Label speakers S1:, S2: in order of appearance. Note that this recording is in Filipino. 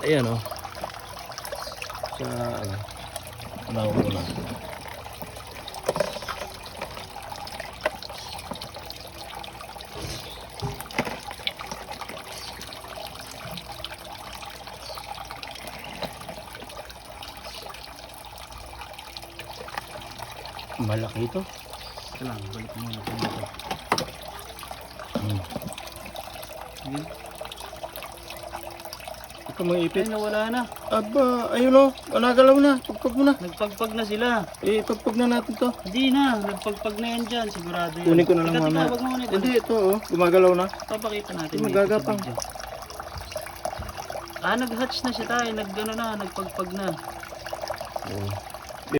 S1: Ayan o. Sa ano. Unaw muna. Malaki ito.
S2: Ito lang, balik mo natin ito. Ayan.
S1: Ito mga ipit.
S2: Ay, nawala na.
S1: Aba, ayun o. Nagalaw na. Pagpag mo na.
S2: Nagpagpag na sila.
S1: Pagpag na natin to.
S2: Hindi na, nagpagpag na yan dyan, sigurado yan.
S1: Kunin ko na lang
S2: Teka,
S1: mamaya.
S2: wag mo muna ito.
S1: Hindi, ito o. Gumagalaw na.
S2: Papakita natin
S1: Hindi,
S2: dito
S1: magagapang.
S2: sa video. Nag-hatch na siya tayo, nagpagpag na.
S1: Oo.